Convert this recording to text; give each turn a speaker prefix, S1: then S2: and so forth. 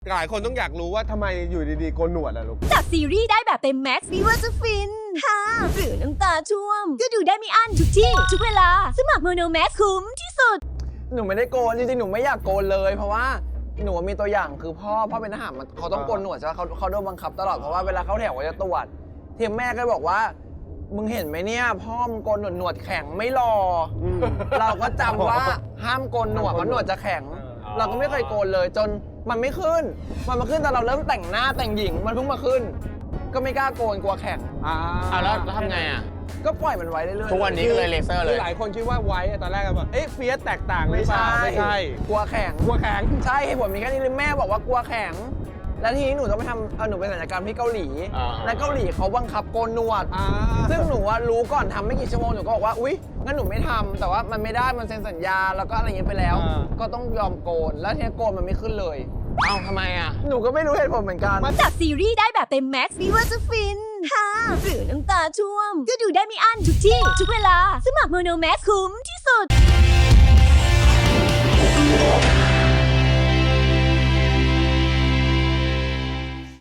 S1: หลายคนต้องอยากรู้ว่าทำไมอยู่ดีๆโกนหนวดอะลูก
S2: จากซีรีส์ได้แบบเต็มแม็กซ์ไม่ว่าจะฟินฮ่าหรือน้ำตาช่วมก็ดูได้ไม่อั้นทุกที่ทุกเวลาสมัครโมโนแม็กคุ้มที่สุด
S3: หนูไม่ได้โกนจริงๆหนูไม่อยากโกนเลยเพราะว่าหนูมีตัวอย่างคือพ่อเป็นทหารเขาต้องโกนหนวดใช่ไหมเขาโดนบังคับตลอดเพราะว่าเวลาเขาแถวเขาจะตรวจทีมแม่ก็บอกว่ามึงเห็นไหมเนี่ยพ่อมึงโกนหนวดแข็งไม่รอเราก็จำว่าห้ามโกนหนวดเพราะหนวดจะแข็งเราก็ไม่เคยโกนเลยจนมันไม่ขึ้นมันมาขึ้นตอนเราเริ่มแต่งหน้าแต่งหญิงมันเพิ่งมาขึ้นก็ไม่กล้าโกนกลัวแข็ง
S4: แล้วทำไงอ่ะ
S3: ก็ปล่อยมันไว้เรื่อยๆ
S4: ทุกวันนี้ก็เลยเลเซอร์เลย
S1: หลายคนคิดว่าไว้ตอนแรกก็แบบเฟียสแตกต่างหรือเปล่าไม่ใช่
S3: กลัวแข็งใช่เหตุผลมีแค่นี้เลยแม่บอกว่ากลัวแข็งแล้วทีนี้หนูต้องไปทำหนูไปศัลยกรรมที่เกาหลีและเกาหลีเขาบังคับโกนหนวดซึ่งหนูว่ารู้ก่อนทำไม่กี่ชั่วโมงหนูก็บอกว่าอุ๊ยงั้นหนูไม่ทำแต่ว่ามันไม่ได้มันเซ็นสัญญาแล้วก็อะไรอย่างเงี้ยไปแล้วก็ต้องยอมโกนแล้วทีนี้โกนมันไม่ขึ้นเลย
S4: ทำไมอ่ะ
S3: หนูก็ไม่รู้เหตุผลเหมือนกัน
S2: จากซีรีส์ได้แบบเต็มแม็กซ์ไม่ว่าจะฟินฮ่าหรือน้ำตาช่วมก็ดูได้ไม่อั้นทุกที่ทุกเวลาสมัครโมโนแม็กคุ้มที่สุด